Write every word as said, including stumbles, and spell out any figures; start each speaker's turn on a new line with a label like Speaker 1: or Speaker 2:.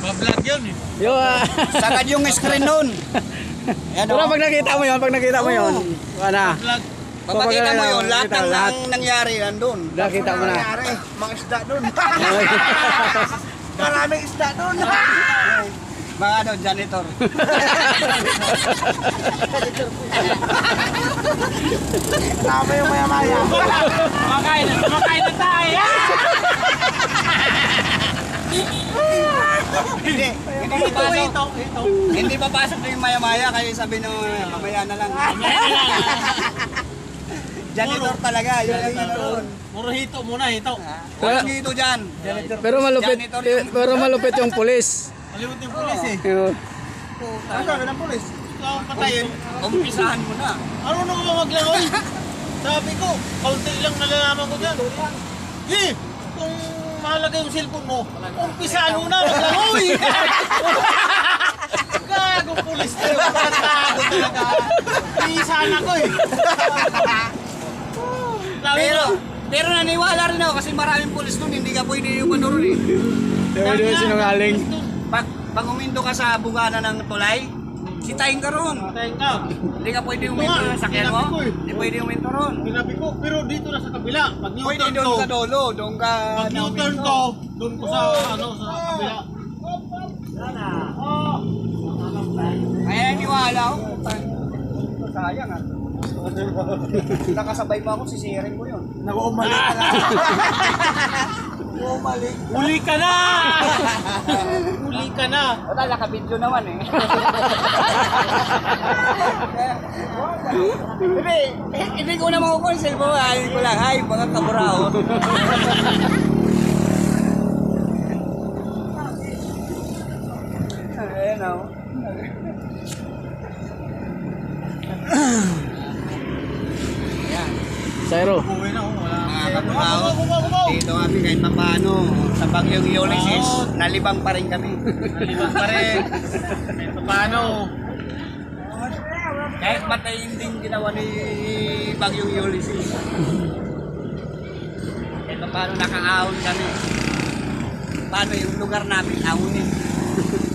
Speaker 1: Pa-vlog yun eh.
Speaker 2: Yo, ah.
Speaker 3: Sagad yung screen nun. Yan,
Speaker 2: Pero
Speaker 3: oh.
Speaker 2: pag nakita mo yun, pag nakita mo yun, wala.
Speaker 1: Vlog.
Speaker 3: Pagkakita mo yun, lahat
Speaker 2: Kita,
Speaker 3: ng
Speaker 2: lahat.
Speaker 3: ng nangyari nandun.
Speaker 2: Nakita mo na.
Speaker 3: Nangyari, mga isda dun. Maraming isda dun. Mga ano, janitor. Tama yung maya-maya.
Speaker 1: Kumakain na, kumakain na tayo.
Speaker 3: Hindi, hindi papasok. Hindi papasok na yung maya-maya, kaya sabi nyo, mamaya na lang. Janitor talaga, yun ang ano ron.
Speaker 1: Puro hito muna, hito.
Speaker 3: Walang dito dyan.
Speaker 2: Pero malupit,
Speaker 3: Janitor yung-
Speaker 2: pero malupit yung pulis.
Speaker 1: Malimut yung pulis eh.
Speaker 2: Yo.
Speaker 3: Ano sabi ng polis?
Speaker 1: Ikaw ang patayin.
Speaker 3: Umpisahan mo na.
Speaker 1: Ano nung maglangoy? Sabi ko, kaunti lang nalalaman ko dyan. Eh, kung mahalaga yung cellphone mo, umpisaan mo na, maglangoy! Gagong pulis na yung patago talaga. Iisahan ako eh. Sabi
Speaker 3: Pero,
Speaker 1: ko,
Speaker 3: pero naniwala rin ako kasi maraming polis nun, hindi ka pwede yung manuro eh.
Speaker 2: Sabi mo sinungaling.
Speaker 3: Pag, pag umindo ka sa bugana ng tulay, sitayin ka ron.
Speaker 1: patayin ka.
Speaker 3: Hindi ka pwede uminto
Speaker 1: Ito nga,
Speaker 3: sa sakyan mo.
Speaker 1: sinabi ko eh.
Speaker 3: Hindi pwede uminto ron.
Speaker 1: Sinabi ko, pero dito na sa kabila. Pag
Speaker 3: Pwede
Speaker 1: U-turn
Speaker 3: doon
Speaker 1: ko,
Speaker 3: sa dolo, doon ka
Speaker 1: pag U-turn
Speaker 3: nauminto.
Speaker 1: ko, doon ko sa, ano, sa kabila.
Speaker 3: Kaya naniwala ako. Sayang ah. Nakasabay pa ako, sisirin ko yun.
Speaker 1: Nag-umalik ka na.
Speaker 3: Umalik.
Speaker 1: Uli ka na! Uli ka na!
Speaker 3: Wala, naka-video naman eh. Hindi, hindi ko na makukuha yung cellphone. Ayaw ko lang, ay, mga kaburao. Ayan o. Ayan.
Speaker 2: Sayro.
Speaker 1: Uwi na, oh, wala.
Speaker 3: Mga kaburao, dito kami kahit paano sa bagyong Ulysses, nalibang pa rin kami.
Speaker 1: Nalibang pa rin. Ito paano?
Speaker 3: Kahit matayin din ginawa ni Bagyong Ulysses. Ito paano nakaahon kami. Paano yung lugar namin ahunin.